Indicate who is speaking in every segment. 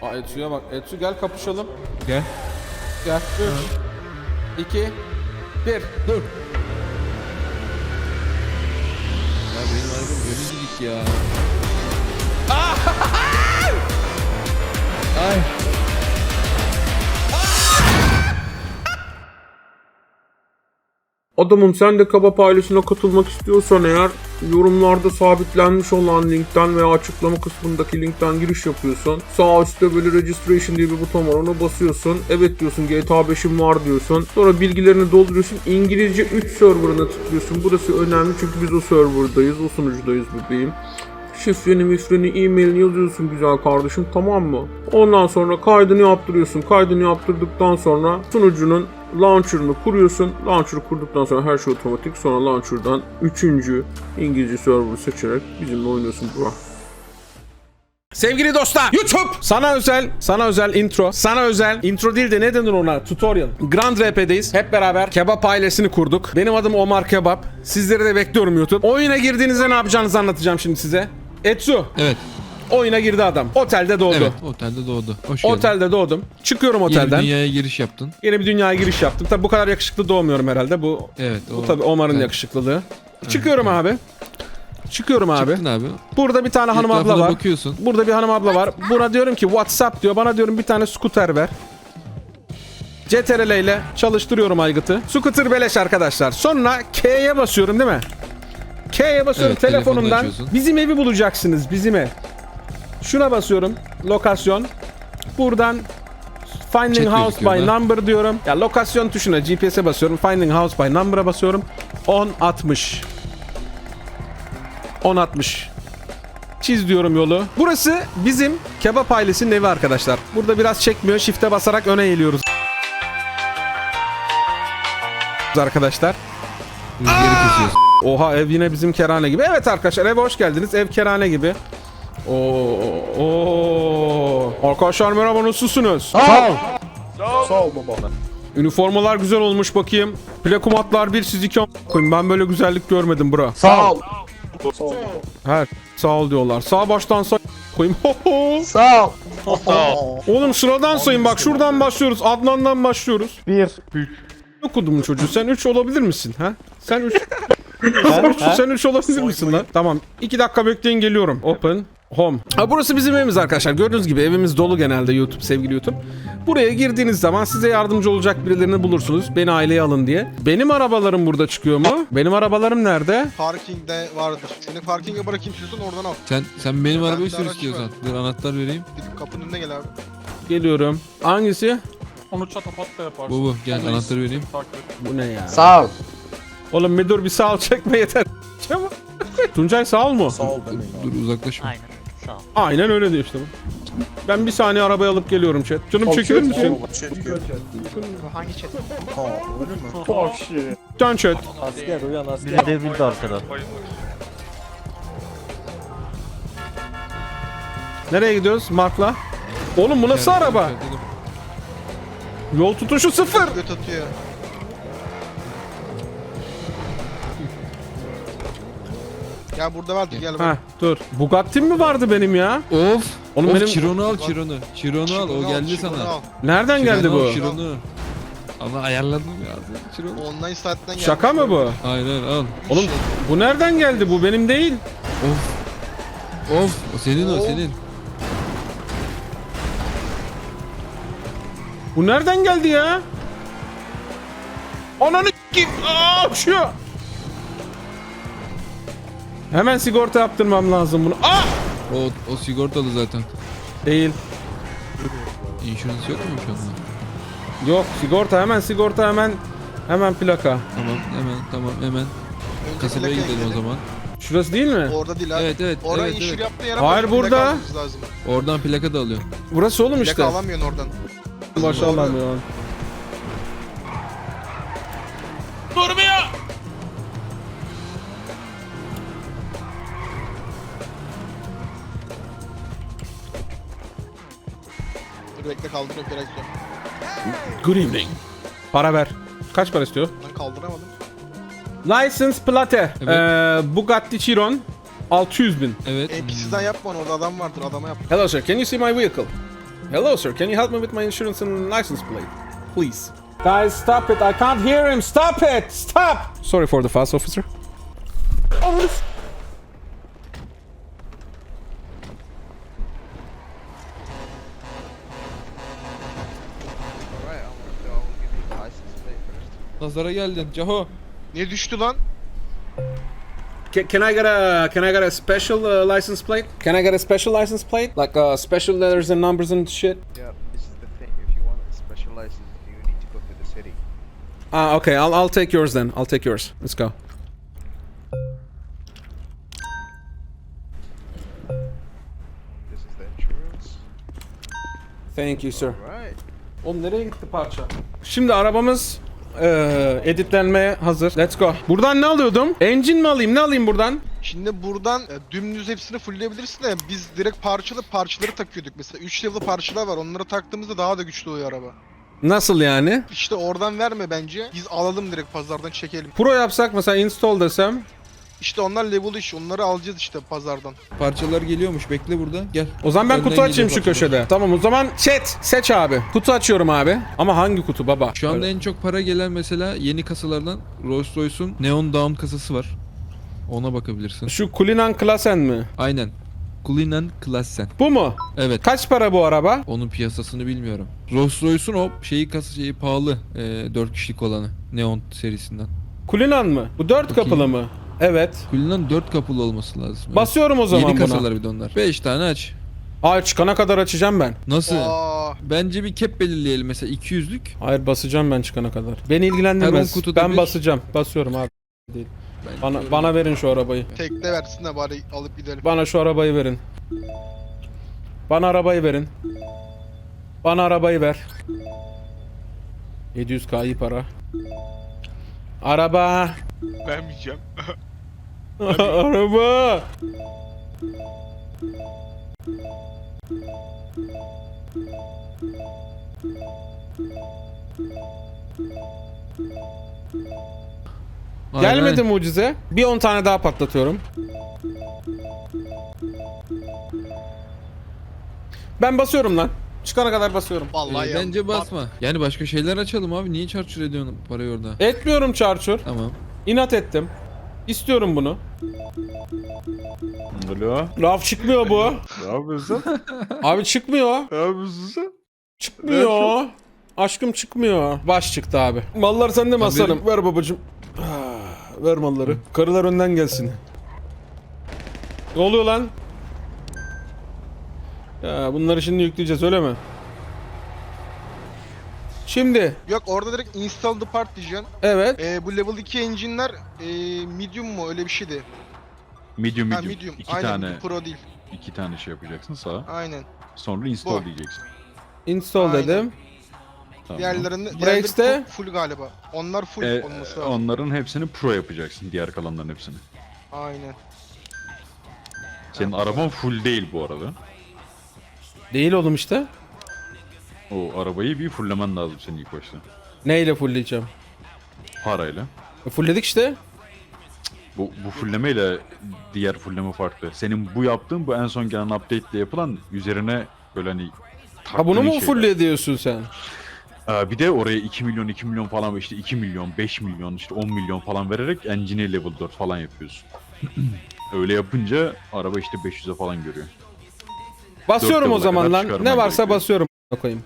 Speaker 1: Aa, Etsu'ya bak. Etsu gel kapışalım.
Speaker 2: Gel.
Speaker 1: Gel. 3 2 1 dur.
Speaker 2: Ya benim arabam önü gidik ya. Ay.
Speaker 3: Adamım, sen de Kebap ailesine katılmak istiyorsan eğer yorumlarda sabitlenmiş olan linkten veya açıklama kısmındaki linkten giriş yapıyorsun. Sağ üstte böyle registration diye bir buton var, ona basıyorsun. Evet diyorsun, GTA 5'im var diyorsun. Sonra bilgilerini dolduruyorsun. İngilizce 3 serverına tıklıyorsun. Burası önemli çünkü biz o serverdayız, o sunucudayız bebeğim. Şifreni, e-mailini yazıyorsun güzel kardeşim, tamam mı? Ondan sonra kaydını yaptırıyorsun. Kaydını yaptırdıktan sonra sunucunun launcher'ını kuruyorsun. Launcher'ı kurduktan sonra her şey otomatik. Sonra launcher'dan 3. İngilizce server'ı seçerek bizimle oynuyorsun bro.
Speaker 1: Sevgili dostlar, YouTube sana özel intro. Sana özel intro değil de ne denir ona? Tutorial. Grand RP'deyiz. Hep beraber Kebap ailesini kurduk. Benim adım Omar Kebap. Sizleri de bekliyorum YouTube. Oyuna girdiğinizde ne yapacağınızı anlatacağım şimdi size. Etsu.
Speaker 2: Evet.
Speaker 1: Oyuna girdi adam. Otelde doğdu.
Speaker 2: Evet, otelde doğdu. Hoş geldin.
Speaker 1: Otelde doğdum. Çıkıyorum
Speaker 2: Yeni
Speaker 1: otelden.
Speaker 2: dünyaya giriş yaptın.
Speaker 1: Yeni bir dünyaya giriş yaptım. Tabi bu kadar yakışıklı doğmuyorum herhalde. Bu
Speaker 2: Evet.
Speaker 1: bu tabi Omar'ın
Speaker 2: evet.
Speaker 1: yakışıklılığı. Çıkıyorum abi. Çıkıyorum abi.
Speaker 2: Çıktın abi.
Speaker 1: Burada bir tane hanım abla
Speaker 2: Etrafına
Speaker 1: var.
Speaker 2: bakıyorsun.
Speaker 1: Burada bir hanım abla var. Buna diyorum ki WhatsApp diyor. Bana diyorum bir tane scooter ver. CTRL ile çalıştırıyorum aygıtı. Scooter beleş arkadaşlar. Sonra K'ye basıyorum değil mi? K'ye basıyorum
Speaker 2: Evet, telefonunu
Speaker 1: telefonumdan.
Speaker 2: açıyorsun.
Speaker 1: Bizim evi bulacaksınız. Bizim ev. Şuna basıyorum. Lokasyon. Buradan Finding
Speaker 2: Chat
Speaker 1: House
Speaker 2: gözüküyor
Speaker 1: by
Speaker 2: da.
Speaker 1: Number diyorum. Ya lokasyon tuşuna GPS'e basıyorum. Finding House by Number'a basıyorum. 1060. 1060. Çiz diyorum yolu. Burası bizim Kebap ailesinin evi arkadaşlar. Burada biraz çekmiyor. Shift'e basarak öne eğiliyoruz. Arkadaşlar.
Speaker 2: Rüzgarı kesiyorsun.
Speaker 1: Oha, ev yine bizim kerane gibi. Evet arkadaşlar, eve hoş geldiniz. Ev kerane gibi. Oo. Arkadaşlar merhaba, nasılsınız?
Speaker 4: Sağ ol baba.
Speaker 1: Üniformalar güzel olmuş bakayım. Plakumatlar 1 siz 2 koyun. Ben böyle güzellik görmedim bro.
Speaker 4: Sağ ol.
Speaker 1: Her sağ ol diyorlar. Sağ baştan sağ koyayım.
Speaker 4: Sağ ol.
Speaker 1: Oğlum sıradan sayın, bak şuradan başlıyoruz. Adnan'dan başlıyoruz.
Speaker 4: 1.
Speaker 1: Okudum çocuğu. Sen 3 olabilir misin ha? Sen 3. Sen 3 olabilir misin lan? Tamam. 2 dakika bekleyin, geliyorum. Open Home. Ha, burası bizim evimiz arkadaşlar. Gördüğünüz gibi evimiz dolu genelde YouTube, sevgili YouTube. Buraya girdiğiniz zaman size yardımcı olacak birilerini bulursunuz. Beni aileye alın diye. Benim arabalarım burada çıkıyor mu? Benim arabalarım nerede?
Speaker 5: Parkingde vardır. Seni parkinge bırakayım istiyorsan oradan al.
Speaker 2: Sen benim
Speaker 5: Ben
Speaker 2: arabayı
Speaker 5: bir
Speaker 2: sür
Speaker 5: araç
Speaker 2: istiyorsan.
Speaker 5: var.
Speaker 2: Dur anahtar vereyim.
Speaker 5: Gidip kapının önüne gel abi.
Speaker 1: Geliyorum. Hangisi?
Speaker 6: Onu çatapat da yaparsın.
Speaker 2: Bu gel
Speaker 6: Onu
Speaker 2: anahtarı vereyim.
Speaker 6: takip et.
Speaker 1: Bu ne ya?
Speaker 4: Sağ ol.
Speaker 1: Oğlum bir dur, bir sağ ol çekme yeter. Çabuk. Tuncay sağ ol mu?
Speaker 2: Dur uzaklaşma.
Speaker 7: Aynen. Sağ ol.
Speaker 1: Aynen öyle diyor işte bu. Ben bir saniye arabayı alıp geliyorum chat. Canım çekilir misin?
Speaker 5: Hangi chat?
Speaker 1: Can chat.
Speaker 7: Biri devrildi arkadan.
Speaker 1: Nereye gidiyoruz Mark'la? Oğlum bu nasıl araba? Yol tutuşu 0.
Speaker 5: Göt atıyor. Ya burada vardı, gel bak.
Speaker 1: Ha dur. Bugatti'm mi vardı benim ya?
Speaker 2: Of.
Speaker 1: Oğlum
Speaker 2: Of
Speaker 1: benim-
Speaker 2: Chiron'u al Chiron'u. Chiron'u al, o geldi
Speaker 5: Chiron'u
Speaker 2: sana.
Speaker 5: al.
Speaker 1: Nereden geldi
Speaker 2: Chiron'u
Speaker 1: bu?
Speaker 2: al, Chiron'u. Ama ayarladım ya. Chiron'u.
Speaker 5: Online saatten geldi.
Speaker 1: Şaka mı bu?
Speaker 2: Aynen al.
Speaker 1: Oğlum bu nereden geldi? Bu benim değil.
Speaker 2: Of. Of. O senin o
Speaker 5: Of.
Speaker 2: senin.
Speaker 1: Bu nereden geldi ya? Ananı kim? Aa şu. Hemen sigorta yaptırmam lazım bunu. Aa!
Speaker 2: O sigortalı zaten.
Speaker 1: Değil.
Speaker 2: İnşurans yok mu şu anda?
Speaker 1: Yok, sigorta, hemen sigorta, hemen plaka.
Speaker 2: Tamam hemen.
Speaker 5: Önce
Speaker 2: Kasabaya
Speaker 5: plakaya
Speaker 2: gidelim o zaman.
Speaker 1: Şurası değil mi?
Speaker 5: Orada değil abi.
Speaker 2: Evet,
Speaker 5: Orada
Speaker 2: evet,
Speaker 5: inşür
Speaker 2: evet.
Speaker 5: yaptığı yere
Speaker 1: Hayır,
Speaker 5: bak, plaka
Speaker 1: burada.
Speaker 5: almamız lazım.
Speaker 2: Oradan plaka da alıyor.
Speaker 1: Burası oğlum
Speaker 5: Plaka
Speaker 1: işte.
Speaker 5: alamıyorsun oradan.
Speaker 1: Maşallah ya. Durmuyor.
Speaker 5: Dur bekle, kaldırıyorum biraz sonra.
Speaker 1: Good evening. Para ver. Kaç para istiyor?
Speaker 5: Ben kaldıramadım.
Speaker 1: License plate.
Speaker 2: Evet.
Speaker 1: Bugatti Chiron. 600 bin.
Speaker 2: Evet.
Speaker 5: NPC'den yapma onu, orada adam vardır, adama yap.
Speaker 1: Hello sir, can you see my vehicle? Hello, sir. Can you help me with my insurance and license plate, please? Guys, stop it. I can't hear him. Stop it. Stop. Sorry for the fuss, officer.
Speaker 2: Nazara geldin Caho.
Speaker 5: Ne düştü lan?
Speaker 1: Can I get a special license plate? Can I get a special license plate? Like special letters and numbers and shit?
Speaker 8: Yeah, this is the thing. If you want a special license, you need to go to the city.
Speaker 1: Okay. I'll take yours then. I'll take yours. Let's go.
Speaker 8: This is the insurance.
Speaker 1: Thank you, sir.
Speaker 8: Right.
Speaker 1: Oğlum nereye gitti parça? Şimdi arabamız editlenmeye hazır. Let's go. Buradan ne alıyordum? Engine mi alayım? Ne alayım buradan?
Speaker 5: Şimdi buradan dümdüz hepsini fullleyebilirsin de biz direkt parçaları takıyorduk. Mesela 3 level parçalar var. Onları taktığımızda daha da güçlü oluyor araba.
Speaker 1: Nasıl yani?
Speaker 5: İşte oradan verme bence. Biz alalım direkt pazardan çekelim.
Speaker 1: Pro yapsak mesela install desem.
Speaker 5: İşte onlar level iş. Onları alacağız işte pazardan.
Speaker 2: Parçalar geliyormuş, bekle burada. Gel.
Speaker 1: O zaman ben
Speaker 2: Önden
Speaker 1: kutu açayım
Speaker 2: geliyor
Speaker 1: şu
Speaker 2: parçalar.
Speaker 1: köşede. Tamam o zaman chat seç abi. Kutu açıyorum abi. Ama hangi kutu baba?
Speaker 2: Şu anda en çok para gelen mesela yeni kasalardan Rolls Royce'un Neon Dawn kasası var. Ona bakabilirsin.
Speaker 1: Şu Cullinan Klassen mi?
Speaker 2: Aynen. Cullinan Klassen.
Speaker 1: Bu mu?
Speaker 2: Evet.
Speaker 1: Kaç para bu araba?
Speaker 2: Onun piyasasını bilmiyorum. Rolls Royce'un o şeyi pahalı. 4 kişilik olanı. Neon serisinden.
Speaker 1: Cullinan mı? Bu 4
Speaker 2: Bakayım.
Speaker 1: kapılı mı? Evet.
Speaker 2: Cullinan 4 kapılı olması lazım. Evet.
Speaker 1: Basıyorum o zaman
Speaker 2: Yeni
Speaker 1: buna.
Speaker 2: kasalar bir de onlar. 5 tane aç.
Speaker 1: Ay çıkana kadar açacağım ben.
Speaker 2: Nasıl?
Speaker 5: Aa,
Speaker 2: Bence bir cap belirleyelim mesela 200'lük.
Speaker 1: Hayır basacağım ben çıkana kadar. Beni ilgilendirmez.
Speaker 2: Her 10 kutuda
Speaker 1: Ben
Speaker 2: bir-
Speaker 1: basacağım. Basıyorum abi. Değil. Bana verin şu arabayı.
Speaker 5: tekte versin de bari alıp gidelim.
Speaker 1: Bana şu arabayı verin. Bana arabayı verin. Bana arabayı ver. 700k iyi para. Araba.
Speaker 5: Vermeyeceğim.
Speaker 1: Araba. Gelmedi mucize. Bir 10 tane daha patlatıyorum. Ben basıyorum lan. Çıkana kadar basıyorum.
Speaker 5: Vallahi ya.
Speaker 2: Bence basma. Yani başka şeyler açalım abi. Niye çarçur ediyorsun parayı orada?
Speaker 1: Etmiyorum çarçur.
Speaker 2: Tamam.
Speaker 1: İnat ettim. İstiyorum bunu.
Speaker 4: Alo.
Speaker 1: Raf çıkmıyor bu.
Speaker 4: Ne yapıyorsun?
Speaker 1: Abi çıkmıyor.
Speaker 4: Ne yapıyorsun sen?
Speaker 1: Çıkmıyor. Aşkım çıkmıyor. Baş çıktı abi. Mallar sende mi aslanım? Ver babacım. Ver malları. Karılar önden gelsin. Ne oluyor lan? Ya bunları şimdi yükleyeceğiz öyle mi? Şimdi
Speaker 5: Yok orada direkt install the part diyeceksin.
Speaker 1: evet.
Speaker 5: Bu level 2 engine'ler medium mu öyle bir şeydi.
Speaker 4: Medium
Speaker 5: Ha
Speaker 4: medium.
Speaker 5: medium.
Speaker 4: İki
Speaker 5: Aynen
Speaker 4: tane.
Speaker 5: pro değil.
Speaker 4: İki tane şey yapacaksın sağa.
Speaker 5: Aynen.
Speaker 4: Sonra install
Speaker 5: Bu.
Speaker 4: diyeceksin.
Speaker 1: Install
Speaker 5: Aynen.
Speaker 1: dedim.
Speaker 4: Tamam.
Speaker 5: Diğerleri
Speaker 1: Brakes'te?
Speaker 5: full galiba. Onlar full olması lazım.
Speaker 4: Onların hepsini pro yapacaksın. Diğer kalanların hepsini.
Speaker 5: Aynen.
Speaker 4: Senin araban full değil bu arada.
Speaker 1: Değil oğlum işte.
Speaker 4: O arabayı bir fulllemen lazım senin ilk başta.
Speaker 1: Neyle fullleyeceğim?
Speaker 4: Parayla.
Speaker 1: Fullledik işte.
Speaker 4: Bu fulllemeyle diğer fullleme farklı. Senin bu yaptığın bu en son gelen update ile yapılan üzerine böyle hani
Speaker 1: Ha bunu
Speaker 4: taktığın
Speaker 1: mu
Speaker 4: şeyler.
Speaker 1: full ediyorsun sen?
Speaker 4: Bir de oraya 2 milyon falan işte 2 milyon, 5 milyon, işte 10 milyon falan vererek engine'i level 4 falan yapıyorsun. Öyle yapınca araba işte 500'e falan görüyor.
Speaker 1: Basıyorum o
Speaker 4: level'a
Speaker 1: zaman
Speaker 4: kadar
Speaker 1: lan.
Speaker 4: çıkarman
Speaker 1: Ne varsa
Speaker 4: gerekiyor.
Speaker 1: basıyorum. Koyayım.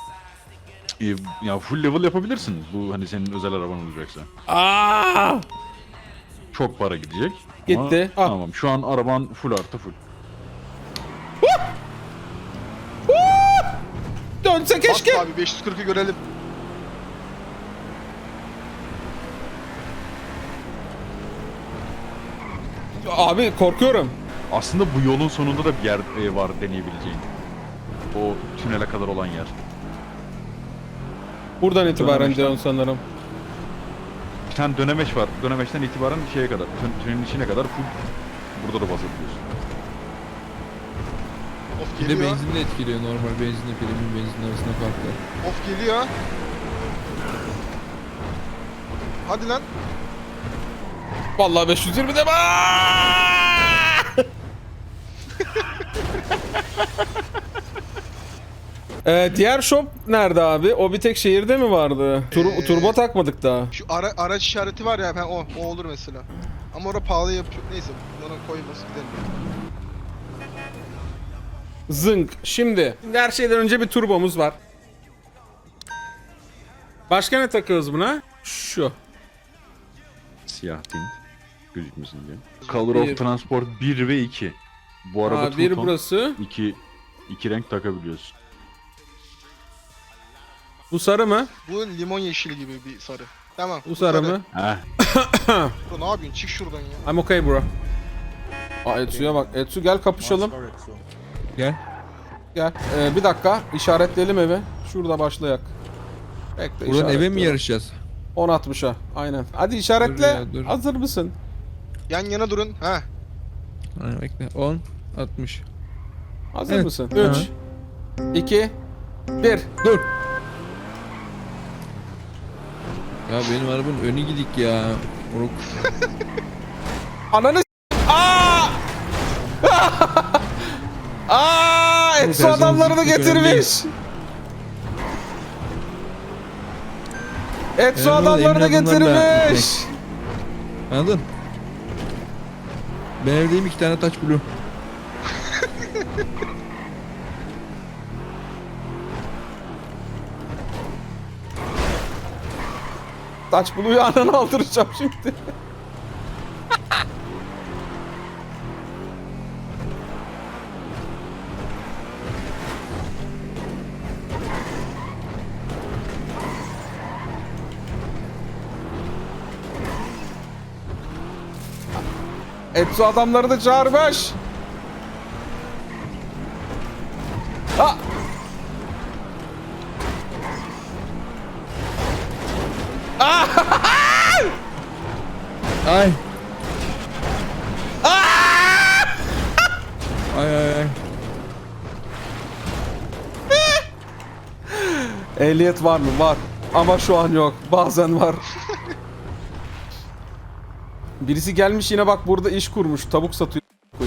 Speaker 4: Ya full level yapabilirsin. Bu hani senin özel araban olacaksa.
Speaker 1: Aa!
Speaker 4: Çok para gidecek.
Speaker 1: Gitti.
Speaker 4: Ama
Speaker 1: Al.
Speaker 4: tamam şu an araban full artı full.
Speaker 1: Dönse keşke.
Speaker 5: Bas abi 540'ı görelim.
Speaker 1: Abi korkuyorum.
Speaker 4: Aslında bu yolun sonunda da bir yer var deneyebileceğin. O tünele kadar olan yer.
Speaker 1: Buradan itibaren
Speaker 4: Dönemeçten.
Speaker 1: diyorsun sanırım.
Speaker 4: Bir tane dönemeç var. Dönemeçten itibaren şeye kadar, tünelin içine kadar full burada da basabiliyorsun.
Speaker 5: Of
Speaker 2: Bir de
Speaker 5: geliyor.
Speaker 2: benzin de etkiliyor. Normal benzinle premium benzin arasında fark var.
Speaker 5: Of geliyor. Hadi lan.
Speaker 1: Vallahi 520 de Diğer shop nerede abi? O bir tek şehirde mi vardı? Turbo takmadık daha.
Speaker 5: Şu araç işareti var ya, o olur mesela. Ama orada pahalı yapıyor. Neyse, ona koymaz gidelim.
Speaker 1: Zınk. Şimdi her şeyden önce bir turbomuz var. Başka ne takıyoruz buna? Şu.
Speaker 4: Siyah tint. Gözükmesin diye. Color
Speaker 1: Bir.
Speaker 4: of Transport 1 ve 2. Bu araba
Speaker 1: Aa, bir
Speaker 4: two-tone,
Speaker 1: burası.
Speaker 4: iki renk takabiliyorsun.
Speaker 1: Bu sarı mı?
Speaker 5: Bu limon yeşili gibi bir sarı. Tamam.
Speaker 1: Bu sarı mı?
Speaker 4: Heh.
Speaker 5: Bro, ne yapıyorsun? Çık şuradan ya.
Speaker 1: I'm okay bro. Aa Etsu'ya bak. Etsu gel kapışalım.
Speaker 2: Gel.
Speaker 1: Gel. Bir dakika. İşaretleyelim evi. Şurada başlayak. Bekle
Speaker 2: Buradan eve mi
Speaker 1: işaretliyorum.
Speaker 2: yarışacağız?
Speaker 1: 10.60'a. Aynen. Hadi işaretle.
Speaker 2: Dur ya, dur.
Speaker 1: Hazır mısın?
Speaker 5: Yan yana durun. Ha.
Speaker 2: Aynen, bekle. 10, 60.
Speaker 1: Hazır
Speaker 2: Evet.
Speaker 1: mısın?
Speaker 2: Hı
Speaker 1: 3 2 1
Speaker 2: Dur. Ya benim arabanın önü gidik ya. Oruk.
Speaker 1: Ananı s- Aa! Aa! Etsu
Speaker 2: her
Speaker 1: adamlarını
Speaker 2: zaman
Speaker 1: getirmiş. Etsu
Speaker 2: Benim burada
Speaker 1: adamlarını
Speaker 2: emin adımlarla
Speaker 1: getirmiş.
Speaker 2: Anladın? Ben evdeyim 2 tane Touch Blue.
Speaker 1: Taç buluyu ananı aldıracağım şimdi. Etsu adamları da çağırmış. Ha!
Speaker 2: Ay. Ay ay ay.
Speaker 1: Ehliyet var mı? Var. Ama şu an yok. Bazen var. Birisi gelmiş yine bak burada iş kurmuş. Tavuk satıyor.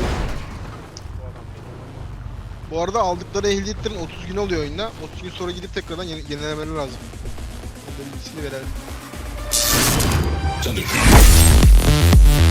Speaker 5: Bu arada aldıkları ehliyetlerin 30 gün oluyor oyunda. 30 gün sonra gidip tekrardan yenilemeleri lazım. Bunun bilgisini verelim.